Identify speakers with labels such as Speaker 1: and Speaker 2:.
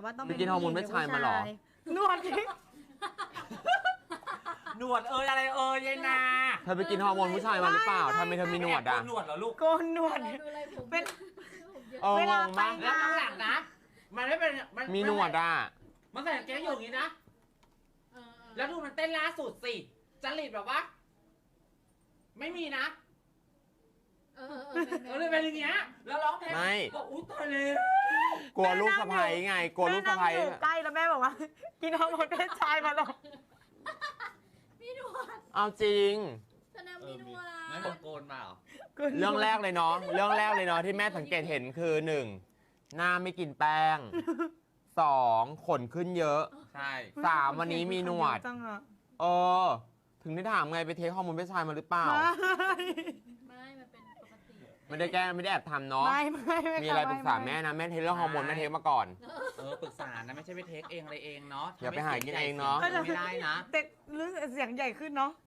Speaker 1: ว่าต้อง
Speaker 2: ไปกินฮอร์โมนเพศชายมาเหรอ
Speaker 1: นวด
Speaker 3: หนวดอะไรยายนา
Speaker 2: เธอไปกินฮอร์โมนผู้ชายมาหรือเปล่าทำไมเธอมีหนวดอ่ะ
Speaker 3: หนวดเหรอลูก
Speaker 1: โกนหนวด
Speaker 4: ดูอะไรผม
Speaker 1: เป็น
Speaker 4: ผมเยอะ
Speaker 2: เออ
Speaker 1: เวลา
Speaker 2: งงมาก
Speaker 1: ไป
Speaker 3: แล้วข้างหลังนะ มันไม่เป็น
Speaker 2: มีหนวดอ่ะ
Speaker 3: มันใส่กางเกงอยู่อย่างนี้นะ
Speaker 4: เออ
Speaker 3: แล้วดูมันเต้นล่าสุดสิจริตแบบว่า ไม่มีนะ
Speaker 4: เออ
Speaker 3: เลยเป็นอย่างเงี้ย แล้วร้องเพลง
Speaker 2: ไม่
Speaker 3: ก็อุ้ยตายเลย
Speaker 2: กลัวลูกสะใภ้ไง กลัวลูกสะใภ้
Speaker 1: แม่นั่งอยู่ใกล้แล้วแม่บอกว่า กินฮอร์โมนเพศชายมาหรอ
Speaker 4: มีหนวด
Speaker 2: เอาจริง
Speaker 4: แสดงมีหนวด
Speaker 3: งั้นบอกโกนมาเหรอ
Speaker 2: เรื่องแรกเลยเนาะเรื่องแรกเลยเนาะที่แม่สังเกตเห็นคือหนึ่งหน้าไม่กินแป้งสองขนขึ้นเยอะ
Speaker 3: ใช่
Speaker 2: สามวันนี้มีหนวด
Speaker 1: จังอะ
Speaker 2: เออ ถึงได้ถามไงไปเทคฮอร์โมนเพศชายมาหรือเปล่า
Speaker 4: ไม่มันเป็นปกติ
Speaker 2: ไม่ได้แกล้งไม่ได้แอบทำเนาะ
Speaker 1: ไม่
Speaker 2: มีอะไรปรึกษาแม่นะแม่เทคเรื่องฮอร์โมนแม่เทคมาก่อน
Speaker 3: ปรึกษานะไม่ใช่ไปเทคเองอะไรเองเนาะ
Speaker 2: อย่าไปหากินเองเนาะ
Speaker 3: ไม่ได้นะ
Speaker 1: แต่รู้สึกเสียงใหญ่ขึ้นเนาะ